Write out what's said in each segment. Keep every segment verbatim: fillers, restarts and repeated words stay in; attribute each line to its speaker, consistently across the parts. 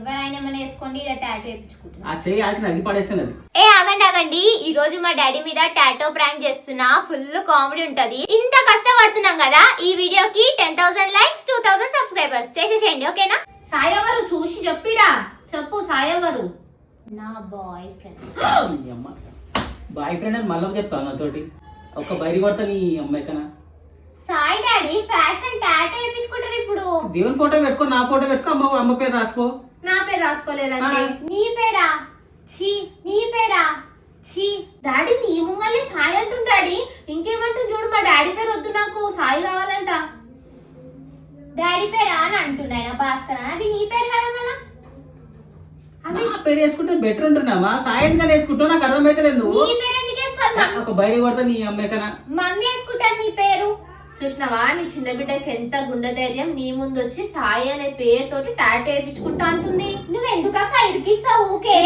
Speaker 1: ఎవరైనా ఏమైనా వేసుకోండి ఇలా టాటూ వేయించుకుంటున్నా.
Speaker 2: ఆ చెయ్యి ఆడికి నగి పడేస్తున్నది.
Speaker 1: ఏ ఆగండి ఆగండి, ఈ రోజు మా డాడీ మీద టాటూ ప్రాంక్ చేస్తున్నా. ఫుల్ కామెడీ ఉంటది. ఇంత కష్టపడుతున్నాం కదా, ఈ వీడియోకి ten thousand likes two thousand subscribers చేసేసేయండి, ఓకేనా?
Speaker 3: సాయవరు చూసి చెప్పిడా చెప్పు. సాయవరు
Speaker 1: నా బాయ్ ఫ్రెండ్.
Speaker 2: బాయ్ ఫ్రెండ్ అని మళ్ళీ చెప్తాను నాతోటి. ఒక్క బయట కొడతా నీ అమ్మాయి కన్నా.
Speaker 1: సాయి డాడీ ఫ్యాషన్ టాటూ వేయించుకుంటారు ఇప్పుడు.
Speaker 2: దేవుని ఫోటో పెట్టుకో, నా ఫోటో పెట్టుకో, అమ్మ అమ్మ పేరు రాసుకో.
Speaker 3: నా పేరు రాసుకోలేదంటే
Speaker 1: నీ పేరా? ఛీ, నీ పేరా? ఛీ.
Speaker 3: డాడీ నీ ముంగల్ని సాయి అంటుంది. డాడీ ఇంకేమంటుంది చూడు, మా డాడీ పేరు వద్దు, నాకు సాయి కావాలంట.
Speaker 1: డాడీ పేరా అని అంటున్నాయి భాస్కర్. అది నీ పేరు కదా మన.
Speaker 2: నా పేరు వేసుకుంటే బెటర్ ఉంటున్నావా? సాయంత్రం వేసుకుంటావు, నాకు అర్థమైతలేదు.
Speaker 1: నీ పేరు ఎందుకు వేసుకోవాలి?
Speaker 2: ఒక బయట కొడతా నీ అమ్మాయి కన్నా.
Speaker 1: మమ్మీ వేసుకుంటాను నీ పేరు.
Speaker 3: చూసినావా నీ చిన్న బిడ్డకి ఎంత గుండె ధైర్యం, నీ ముందు వచ్చి సాయి అనే పేరుతోటి టాటూ వేయించుకుంటా అంటుంది.
Speaker 1: నువ్వు ఎందుకు అక్క ఇరికిస్తావు? ఊకే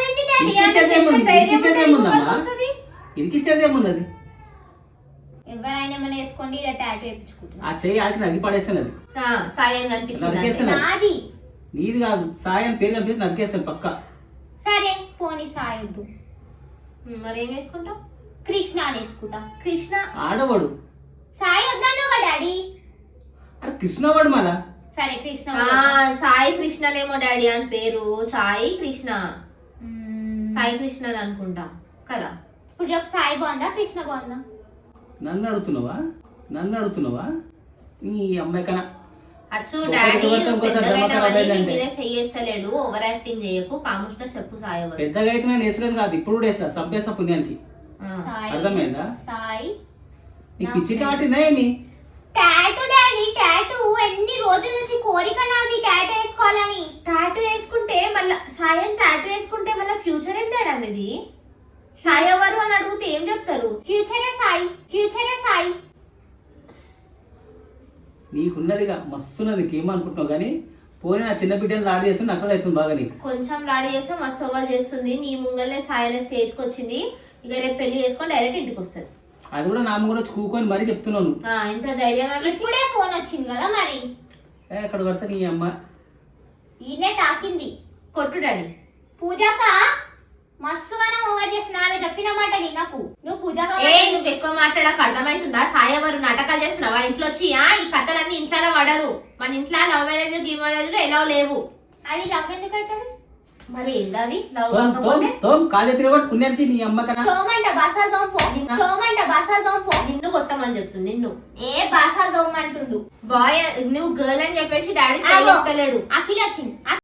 Speaker 2: ఇరికిచ్చేది ఏమున్నది?
Speaker 1: ఎవరైనా ఏమైనా వేసుకోండి ఇలా టాటూ వేయించుకుంటున్నా.
Speaker 2: ఆ చెయ్యి ఆడికి నగి పడేస్తున్నది.
Speaker 3: సాయి అని కనిపించింది.
Speaker 2: నరికేస్తున్నది.
Speaker 1: నాది
Speaker 2: నీది కాదు, సాయి అని పేరు కనిపిస్తుంది, నరికేస్తాను పక్క.
Speaker 1: సరే పోనీ సాయొద్దు,
Speaker 3: మరి ఏం వేసుకుంటావు?
Speaker 1: కృష్ణ అని వేసుకుంటా.
Speaker 3: కృష్ణ
Speaker 2: ఆడవాడు.
Speaker 1: సాయి వద్దాను కదా డాడీ.
Speaker 2: అరే కృష్ణవాడు మళ్ళా.
Speaker 1: సరే కృష్ణ.
Speaker 3: ఆ సాయి కృష్ణనేమో డాడీ అని పేరు. సాయి కృష్ణ, సాయి కృష్ణ అని అనుకుంటా కదా.
Speaker 1: ఇప్పుడు చెప్పు, సాయి బాగుందా కృష్ణ బాగుందా?
Speaker 2: నన్ను అడుగుతున్నావా? నన్ను అడుగుతున్నావా? నీ అమ్మాయి కన్నా.
Speaker 3: అచ్చు డాడీ చెయ్యేస్తలేడు, ఓవర్ యాక్టింగ్ చేయకు. కాముష్ణ చెప్పు సాయి.
Speaker 2: పెద్దగా అయితే నేను వేసలేను కాదు, ఇప్పుడు కూడా వేస్తా, చంపేస్తా పుణ్యానికి. అర్థమైందా?
Speaker 1: సాయి
Speaker 2: నీకు పిచ్చి కాటిందా ఏమి?
Speaker 1: టాటూ డాడీ, టాటూ ఎన్ని రోజుల నుంచి కోరిక నాది టాటూ వేసుకోవాలని.
Speaker 3: టాటూ వేసుకుంటే మళ్ళా సాయి అని టాటూ వేసుకుంటే మళ్ళీ ఫ్యూచర్ ఏంటాడా మీది? సాయి ఎవరు అని అడిగితే ఏం చెప్తారు?
Speaker 1: ఫ్యూచరే సాయి, ఫ్యూచరే సాయి.
Speaker 2: నీకున్నదిగా మస్తున్నది, ఏమనుకుంటున్నావు కానీ పోనీ నా చిన్న బిడ్డలు లాడి చేస్తుంది, అక్కడ అవుతుంది బాగా నీకు.
Speaker 3: కొంచెం లాడి చేస్తే మస్తు ఓవర్ చేస్తుంది. నీ ముంగల్నే సాయి అనే స్టేజ్కి వచ్చింది. ఇక రేపు పెళ్లి చేసుకొని డైరెక్ట్ ఇంటికి వస్తుంది.
Speaker 2: అది కూడా నా ముందు వచ్చి కూకొని మరీ చెప్తున్నాను.
Speaker 3: ఎంత ధైర్యం!
Speaker 1: ఇప్పుడే ఫోన్ వచ్చింది కదా మరి.
Speaker 2: ఎక్కడ కొడతా నీ అమ్మ.
Speaker 1: ఈయనే తాకింది.
Speaker 3: కొట్టు డాడీ.
Speaker 1: పూజక మస్తుగానే ఓవర్ చేస్తున్నా, ఆమె చెప్పిన మాట నాకు. నువ్వు పూజక
Speaker 3: ఏ నువ్వు ఎక్కువ మాట్లాడక అర్థమవుతుందా? సాయి ఎవరు నాటకాలు చేస్తున్నావా ఇంట్లో వచ్చి? ఈ కథలన్నీ ఇంట్లో పడరు. మన ఇంట్లో లవ్ మ్యారేజ్ గీ మ్యారేజ్ ఎలా లేవు.
Speaker 1: అది లవ్ ఎందుకు అవుతుంది
Speaker 3: మరి ఏంది లవ్ కాకపోతే?
Speaker 2: పుణ్యానికి నీ అమ్మ కన్నా.
Speaker 1: తోమంట బసాలు దోంపో, తోమంట బసాలు దోంపో.
Speaker 3: నిన్ను కొట్టమని చెప్తుంది. నిన్ను
Speaker 1: ఏ బసాలు దోమంటుండు.
Speaker 3: బాయ్ నువ్వు గర్ల్ అని చెప్పేసి డాడీ చేయలేడు.
Speaker 1: అఖిల్ వచ్చింది.